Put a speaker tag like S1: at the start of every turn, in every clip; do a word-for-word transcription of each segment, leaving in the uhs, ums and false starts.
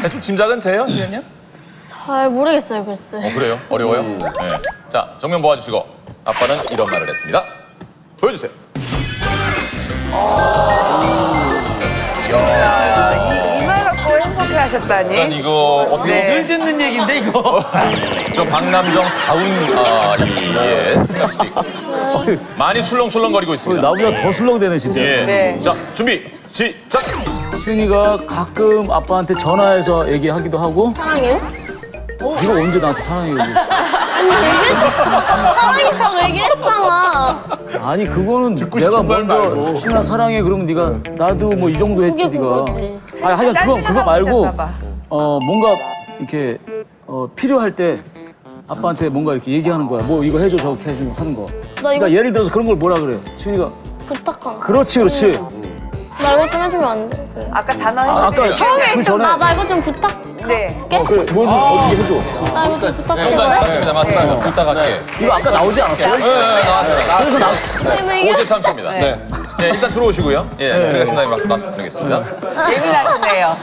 S1: 대충 짐작은 돼요, 시현님?
S2: 잘 모르겠어요, 글쎄.
S1: 어, 그래요? 어려워요? 네. 자, 정면 보아주시고 아빠는 이런 말을 했습니다. 보여주세요.
S3: 이 말 갖고 행복해 하셨다니.
S1: 일단 이거 어떻게
S3: 네.
S4: 늘 듣는 얘기인데 이거.
S1: 저 박남정 다운 아, 이의 생각 수도 있고 많이 술렁술렁거리고 있습니다.
S5: 나보다 더 술렁대네 진짜.
S1: 예.
S3: 네.
S1: 자, 준비 시작.
S5: 시윤이가 가끔 아빠한테 전화해서 얘기하기도 하고
S2: 사랑해요?
S5: 네가 언제 나한테 사랑해 얘기
S2: 아니, 얘기했어. 사랑했다고 얘기했잖아.
S5: 아니 그거는 내가
S1: 싶은 말
S5: 먼저
S1: 말고.
S5: 시윤아 사랑해 그러면 네가 나도 뭐 이 정도 했지
S2: 그게
S5: 네가.
S2: 그거지.
S5: 아니 하여간 그거 그거 말고
S3: 하셨나 봐.
S5: 어 뭔가 이렇게 어 필요할 때 아빠한테 뭔가 이렇게 얘기하는 거야. 뭐 이거 해줘 저거 해줘 하는 거.
S2: 나 이거
S5: 그러니까 예를 들어서 그런 걸 뭐라 그래. 시윤이가
S2: 부탁한 거.
S5: 그렇지 그렇지.
S2: 나 이거 좀 해주면 안 돼?
S3: 아까 단어
S5: 아, 아까
S3: 처음에
S5: 그
S3: 했던
S5: 전에
S2: 나, 나 이거 좀 부탁.
S3: 네.
S5: 어, 그래 뭐 좀 어떻게 해줘.
S2: 나 이거 좀
S1: 정답
S2: 부탁해.
S1: 맞습니다, 맞습니다. 부탁할게.
S5: 이거 아까 나오지 않았어요?
S1: 네, 네, 나왔습니다.
S5: 그래서 나
S1: 오십삼 초입니다. 네. 네, 일단 들어오시고요. 예, 들어가신 다음에 말씀, 말씀드리겠습니다.
S3: 예민하시네요.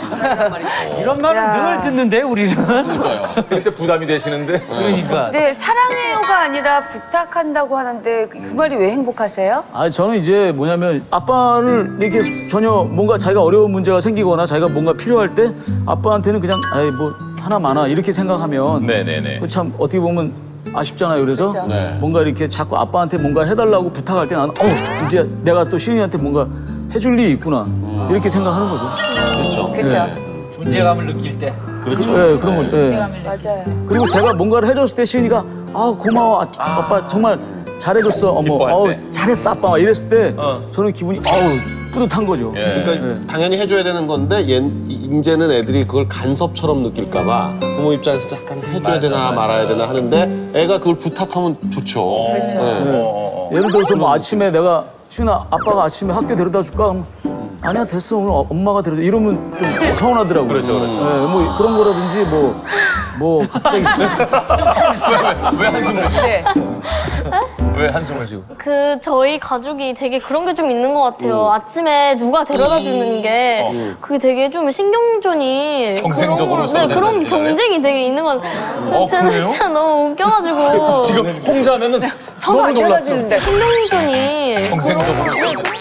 S4: 이런 말은
S3: 야.
S4: 늘 듣는데 우리는.
S1: 그럴 때 부담이 되시는데.
S4: 그러니까.
S3: 네, 사랑해요가 아니라 부탁한다고 하는데 그 말이 왜 행복하세요?
S5: 아 저는 이제 뭐냐면 아빠를 이렇게 전혀 뭔가 자기가 어려운 문제가 생기거나 자기가 뭔가 필요할 때 아빠한테는 그냥 아이 뭐 하나 많아 이렇게 생각하면
S1: 네네네.
S5: 그참 어떻게 보면 아쉽잖아요. 그래서
S3: 그렇죠.
S1: 네.
S5: 뭔가 이렇게 자꾸 아빠한테 뭔가 해달라고 부탁할 때 나는 어 이제 내가 또 시은이한테 뭔가 해줄 일이 있구나 이렇게 생각하는 거죠.
S1: 그렇죠.
S3: 그렇죠.
S4: 존재감을 느낄 때.
S1: 그렇죠.
S5: 네, 그런 거죠. 네.
S3: 맞아요.
S5: 그리고 제가 뭔가를 해줬을 때 시은이가 아 고마워 아, 아빠 정말 잘해줬어 어머
S1: 기뻐할
S5: 어우,
S1: 때.
S5: 잘했어 아빠 막 이랬을 때
S1: 어.
S5: 저는 기분이 어우 뿌듯한 거죠.
S1: 예.
S6: 그러니까 당연히 해줘야 되는 건데 얘, 이제는 애들이 그걸 간섭처럼 느낄까봐 부모 입장에서 약간 해줘야 되나 말아야 되나 하는데 애가 그걸 부탁하면 좋죠.
S3: 그렇죠.
S1: 어,
S5: 예를 들어서 뭐 아침에 내가 시은아 아빠가 아침에 학교 데려다 줄까? 그럼 아니야 됐어 오늘 어- 엄마가 데려다 이러면 좀 서운하더라고요.
S1: 그렇죠, 그렇죠.
S5: 네, 뭐 그런 거라든지 뭐 뭐 갑자기
S1: 왜, 왜 한숨을 쉬고?
S3: 네.
S1: 왜 한숨을 쉬고?
S2: 그 저희 가족이 되게 그런 게 좀 있는 것 같아요. 아침에 누가 데려다 주는 게 그게 되게 좀 신경전이
S1: 경쟁적으로
S2: 그런,
S1: 서로
S2: 네, 그런
S1: 데려다 주잖아요.
S2: 경쟁이 되게 있는 것 같아요.
S1: 어,
S2: 저는
S1: 그래요?
S2: 진짜 너무 웃겨가지고
S1: 지금 홍자면은
S3: 서로
S1: 너무
S3: 안
S1: 놀랐어.
S3: 데려다주는데.
S2: 신경전이
S1: 경쟁적으로
S2: 그런-
S1: 서로.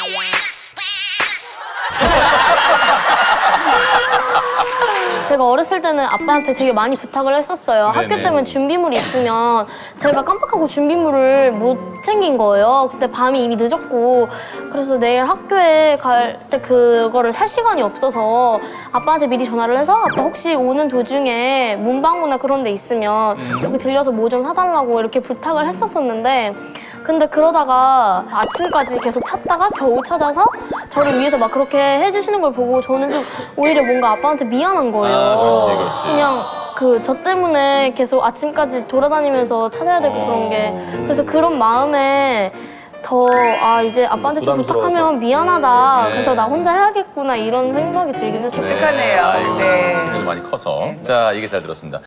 S2: 제가 어렸을 때는 아빠한테 되게 많이 부탁을 했었어요.
S1: 네네.
S2: 학교 때문에 준비물이 있으면 제가 깜빡하고 준비물을 못 챙긴 거예요. 그때 밤이 이미 늦었고 그래서 내일 학교에 갈 때 그거를 살 시간이 없어서 아빠한테 미리 전화를 해서 아빠 혹시 오는 도중에 문방구나 그런 데 있으면 여기 들려서 뭐 좀 사달라고 이렇게 부탁을 했었었는데 근데 그러다가 아침까지 계속 찾다가 겨우 찾아서 저를 위해서 막 그렇게 해주시는 걸 보고 저는 좀 오히려 뭔가 아빠한테 미안한 거예요.
S1: 아, 그렇지, 그렇지.
S2: 그냥 그 저 때문에 계속 아침까지 돌아다니면서 찾아야 되고 그런 게 그래서 그런 마음에 더 아 이제 아빠한테 좀
S6: 부담스러워서.
S2: 부탁하면 미안하다.
S1: 네.
S2: 그래서 나 혼자 해야겠구나 이런 생각이 들긴 했어요.
S3: 독특하네요.
S1: 아이고,
S3: 네.
S1: 시간이 많이 커서. 자, 얘기 잘 들었습니다.